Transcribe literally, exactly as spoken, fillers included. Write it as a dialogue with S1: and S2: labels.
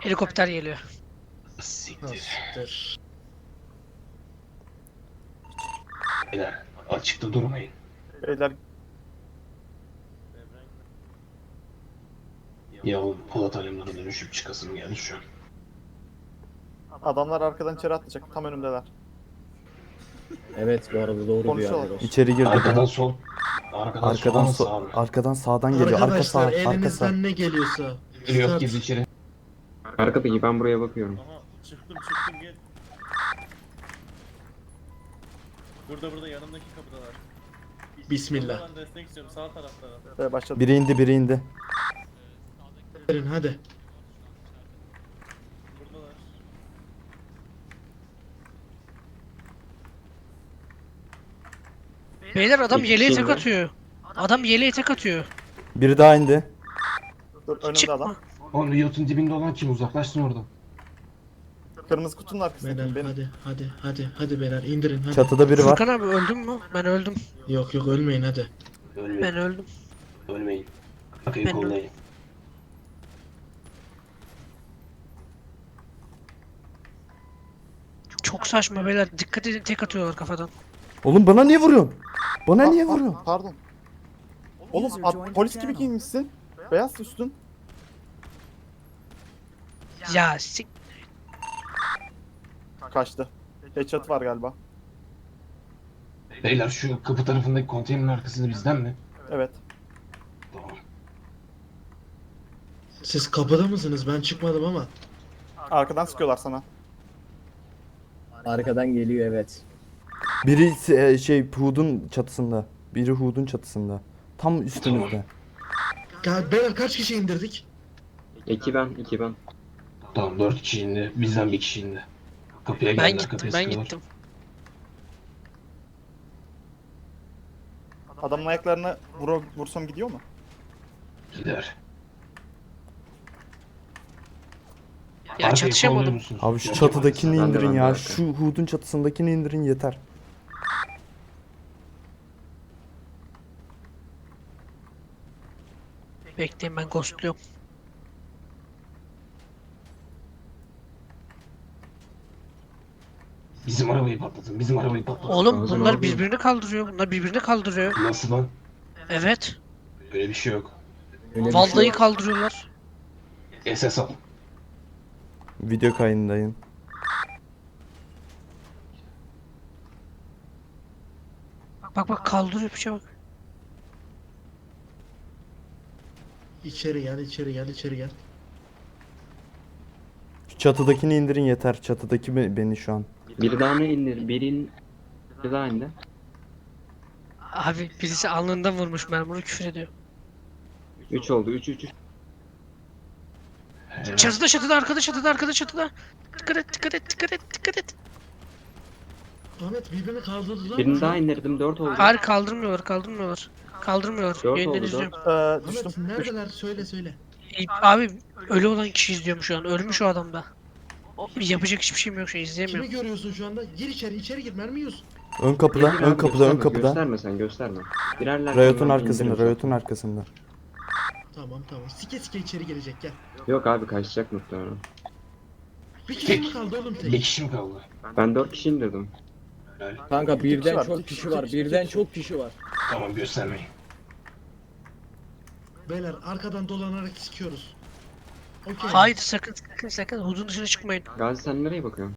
S1: Helikopter geliyor.
S2: Siktir.
S3: Siktir.
S2: Beyler açıkta durmayın.
S4: Beyler
S2: Ya o Polat Alemdar'a dönüşüp çıkasım geldi şu an.
S4: adamlar arkadan içeri atlayacak. Tam önümdeler.
S5: Evet bu arada doğru bir
S4: Konuşuyorlar.
S5: yer.
S6: İçeri girdi.
S2: Arkadan sol. Arkadan,
S6: Arkadan
S2: sol
S6: so
S2: sağ mı?
S6: arkadan sağdan geliyor. Arka sağ,
S3: Arkadaşlar
S6: arka sağ.
S3: elinizden ne geliyorsa.
S2: Yok
S3: start.
S2: girdi içeri.
S7: Arkadaki ben buraya bakıyorum.
S8: Aha çıktım çıktım gel. Burada burada yanımdaki kapıdalar.
S3: Bismillah.
S8: Ben destek istiyorum sağ taraflara.
S4: Ve başladı.
S6: Biri indi, biri indi.
S3: Verin hadi.
S8: Buradalar.
S1: Beyler adam
S7: İki
S1: yeleğe tek
S7: kişi
S1: atıyor. Adam yeleğe tek atıyor.
S6: Biri daha indi.
S4: Dur önümde
S1: Çıkma.
S4: adam.
S2: Oğlum Riot'un dibinde olan kim? Uzaklaşsın oradan.
S4: Kırmızı kutunun arkasındaki
S3: Beyler
S4: benim.
S3: hadi hadi hadi hadi beyler indirin hadi.
S6: Çatıda biri var.
S1: Furkan abi öldün mü? Ben öldüm.
S3: Yok yok ölmeyin hadi.
S2: Ölmeyin.
S1: Ben öldüm.
S2: Ölmeyin. Arkayı
S1: Ben-
S2: kollayın.
S1: Çok saçma beyler. Dikkat edin tek atıyorlar kafadan.
S6: Oğlum bana niye vuruyorsun? Bana
S4: Aa,
S6: niye
S4: aa,
S6: vuruyorsun?
S4: Pardon. Oğlum at- polis gibi giyinmişsin. Beyaz üstün.
S1: Ya sik.
S4: Kaçtı. Headshot var galiba.
S2: Beyler şu kapı tarafındaki konteynerin arkasında bizden mi?
S4: Evet.
S2: Tamam.
S3: Siz kapıda mısınız? Ben çıkmadım ama.
S4: Arkadan sıkıyorlar sana.
S5: Arkadan geliyor evet.
S6: Biri e, şey Hud'un çatısında. Biri Hud'un çatısında. Tam üstümüzde.
S3: Ya beyler kaç kişi indirdik?
S7: İki ben, iki ben.
S2: Tamam dört kişi indi. Bizden bir kişi indi. Kapıya
S1: Ben
S2: geldiler.
S1: gittim
S2: Kapıya
S1: ben
S2: sıkıyorlar.
S1: gittim.
S4: Adamın ayaklarını vur vursam gidiyor mu?
S2: Gider.
S1: Ya
S2: Arkayı kolluyor
S1: çatışamadım.
S2: musunuz?
S6: Abi şu
S2: Yok,
S6: çatıdakini
S2: yapamazsın.
S7: Ben de,
S6: indirin
S7: ben de
S6: ya.
S7: arka.
S6: Şu Hud'un çatısındakini indirin yeter.
S1: Bekleyin ben ghostluyorum.
S2: Bizim arabayı patlatın. Bizim arabayı patlatın.
S1: Oğlum
S7: Ağzını
S1: bunlar
S7: aldım.
S1: birbirini kaldırıyor. Bunlar birbirini kaldırıyor.
S2: Nasıl lan?
S1: Evet.
S2: Öyle bir şey yok.
S5: Öyle bir şey
S1: Vallahi
S5: yok.
S1: kaldırıyorlar.
S2: S S al.
S6: Video kayındayım.
S1: Bak bak bak kaldırıyor bir şey bak.
S3: İçeri gel içeri gel içeri gel.
S6: Şu çatıdakini indirin yeter. Çatıdaki be- beni şu an.
S7: Biri daha ne indir? Birin... Biri daha indi.
S1: Abi birisi alnından vurmuş mermuru küfür ediyor.
S7: Üç oldu, üç, üç, üç.
S2: Helal.
S1: Çatıda çatıda arkada çatıda arkada çatıda. Dikkat et dikkat et dikkat et dikkat et.
S3: Ahmet birbirini kaldırdılar
S7: Birini
S3: mı?
S7: daha indirdim, dört oldu.
S1: Hayır kaldırmıyorlar kaldırmıyorlar. Kaldırmıyorlar.
S7: Dört
S1: Yayından
S7: oldu,
S1: izliyorum.
S4: Ee,
S3: Ahmet
S4: düştüm. düştüm.
S3: neredeler söyle söyle.
S1: İyi, Abi ölü olan kişi izliyorum şu an. Ölmüş o adam da. O, yapacak hiçbir şeyim yok şu an
S3: Kimi
S1: izleyemiyorum.
S3: görüyorsun şu anda? Gir içeri içeri gir mermi yiyorsun.
S6: Ön kapıda,
S7: Gir
S6: ön
S7: abi,
S6: kapıda, ön
S7: gösterme,
S6: kapıda.
S7: Gösterme sen, gösterme. Girerler.
S6: Riot'un
S7: sonra
S6: arkasında,
S7: indirin.
S6: Riot'un arkasında.
S3: Tamam tamam sike sike içeri gelecek gel.
S7: Yok abi kaçacak muhtemelen.
S3: Bir kişi mi kaldı oğlum
S2: Bir
S3: tek?
S2: kişi mi kaldı?
S7: Ben dört kişi indirdim.
S2: Helal.
S5: Kanka
S4: kişi
S5: birden
S4: var,
S5: çok
S4: iki kişi,
S5: kişi var.
S4: iki kişi,
S5: Birden
S4: iki kişi.
S5: çok kişi var.
S2: Tamam göstermeyin.
S3: Beyler arkadan dolanarak sikiyoruz. Okey.
S1: Hayır sakın sakın sakın hudun dışına çıkmayın.
S7: Gazi sen nereye bakıyorsun?